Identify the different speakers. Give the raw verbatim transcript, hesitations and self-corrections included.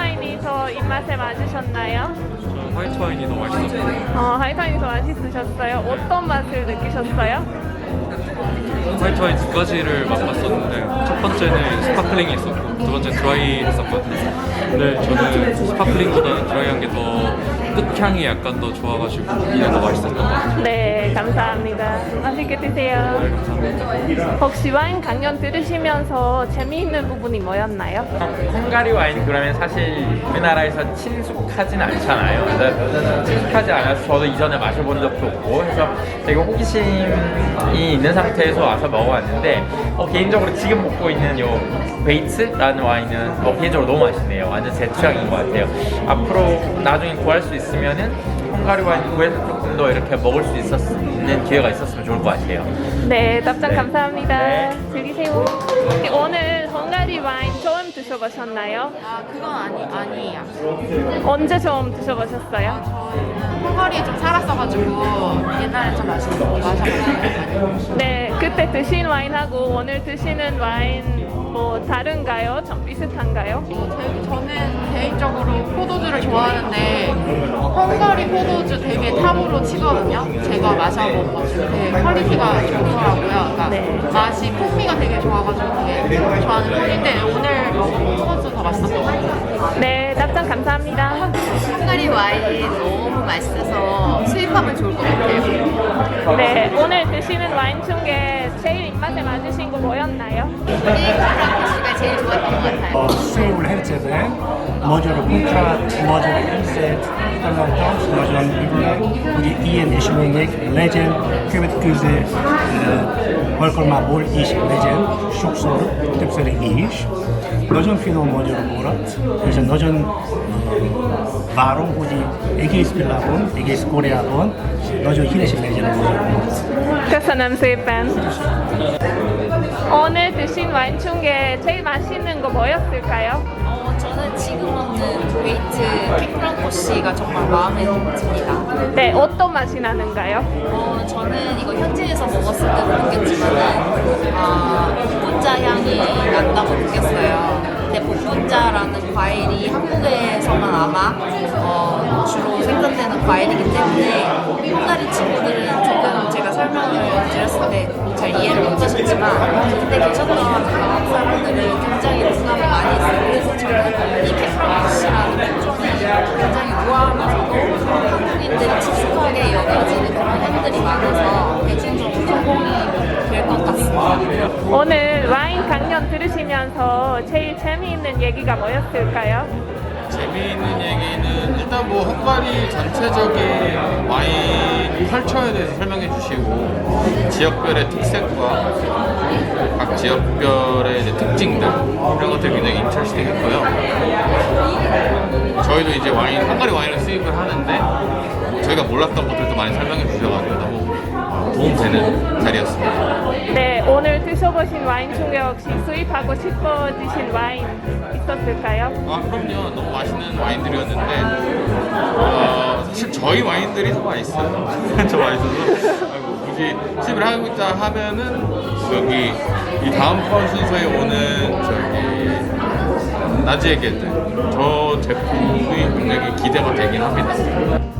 Speaker 1: 와인이 더 입맛에 맞으셨나요?
Speaker 2: 저는 화이트 와인이 더 맛있었어요.
Speaker 1: 어, 화이트 와인이 더 맛있으셨어요? 어떤 맛을 느끼셨어요?
Speaker 2: 화이트 와인 두 가지를 맛봤었는데 첫 번째는 스파클링이 있었고 두 번째는 드라이 했었거든요. 근데 저는 스파클링보다는 드라이한 게 더 끝향이 약간 더 좋아가지고 이게 더 맛있었던 것 같아요.
Speaker 1: 네, 감사합니다. 맛있게 드세요.
Speaker 2: 네, 감사합니다.
Speaker 1: 혹시 와인 강연 들으시면서 재미있는 부분이 뭐였나요?
Speaker 3: 헝가리 와인 그러면 사실 우리나라에서 친숙하진 않잖아요. 그래서 친숙하지 않아서 저도 이전에 마셔본 적도 없고 해서 되게 호기심이 있는 상태에서 와서 먹어봤는데 어, 개인적으로 지금 먹고 있는 요 베이츠라는 와인은 어, 개인적으로 너무 맛있네요. 완전 제 취향인 것 같아요. 앞으로 나중에 구할 수 있으면은 헝가리 와인 구해서 조금 더 이렇게 먹을 수 있었는 기회가 있었으면 좋을 것 같아요.
Speaker 1: 네, 답장
Speaker 3: 네.
Speaker 1: 감사합니다.
Speaker 3: 네.
Speaker 1: 즐기세요. 혹시 오늘 헝가리 와인 처음 드셔보셨나요?
Speaker 4: 아, 그건 아니, 아니에요.
Speaker 1: 언제 처음 드셔보셨어요?
Speaker 4: 저는 헝가리에 좀 살았어가지고 옛날에 좀 마셨, 마셔봤어요.
Speaker 1: 네, 그때 드신 와인하고 오늘 드시는 와인 뭐 다른가요? 좀 비슷한가요?
Speaker 4: 어, 제- 저는 개인적으로 포도주를 좋아하는데 헝가리 포도주 되게 탑으로 치거든요. 제가 마셔본 것 중에 되게 퀄리티가 좋더라고요. 그러니까
Speaker 1: 네.
Speaker 4: 맛이 풍미가 되게 좋아가지고 되게 좋아하는 편인데 오늘 먹은 포도주 더 맛있었던 것 같아요.
Speaker 1: 네, 답장 감사합니다.
Speaker 5: 헝가리 와인이 너무 맛있어서 수입하면 좋을 것 같아요.
Speaker 1: 네, 오늘 드시는 와인 중에 제일 입맛에 맞으신 거 뭐였나요?
Speaker 5: 프랑코시가 제일 좋았던 것 같아요.
Speaker 6: Seul Hercegben, magyar kontrát, magyar ízet, találtam, nagyon örülök, hogy ilyen események legyen, következő uh, alkalmából is legyen, sokszor, többször is. Nagyon finom magyar borat, és nagyon uh, várom, hogy egész világon, egész Koreában nagyon híres legyen a magyar borat.
Speaker 1: köszönöm szépen. 오늘 드신 와인 중에 제일 맛있는 거 뭐였을까요?
Speaker 5: 어, 저는 지금 먹는 베이트 킥프랑코시가 정말 마음에 듭니다.
Speaker 1: 네, 어떤 맛이 나는가요?
Speaker 5: 어, 저는 이거 현지에서 먹었을 때도 느꼈지만 아, 복분자 향이 난다고 느꼈어요. 근데 복분자라는 과일이 한국에서만 아마 어, 주로 생산되는 과일이기 때문에 헝가리 친구들은 조금 제가 설명을 드렸을 때 잘 이해를 못하셨지만 그때 계셨던 한국 사람들은 굉장히 공감을 많이 했어요. 그래서 저는 이 킥프랑코시라는 품종이 굉장히 우아하면서도 한국인들이 친숙하게 여겨지는 그런 향들이 많아서 대중적으로 성공이 될 것 같습니다.
Speaker 1: 오늘 와인 강연 들으시면서 제일 재미있는 얘기가 뭐였을까요?
Speaker 7: 재미있는 얘기는 일단 뭐 헝가리 전체적인 와인 컬처에 대해서 설명해 주시고 지역별의 특색과 각 지역별의 이제 특징들 이런 것들이 굉장히 인터레스팅 했고요. 저희도 이제 와인, 헝가리 와인을 수입을 하는데 뭐 저희가 몰랐던 것들도 많이 설명해 주셔가지고 너무 도움되는 자리였습니다.
Speaker 1: 네, 오늘 드셔보신 와인 중에 혹시 수입하고 싶어지신 와인 있었을까요?
Speaker 7: 아 그럼요. 너무 맛있는 와인들이었는데 어, 사실 저희 와인들이 더 맛있어요. 더 맛있어서 아이고, 굳이 수입을 하고자 하면은 여기 이 다음번 순서에 오는 저기 나지에게들 저 제품이 굉장히 기대가 되긴 합니다.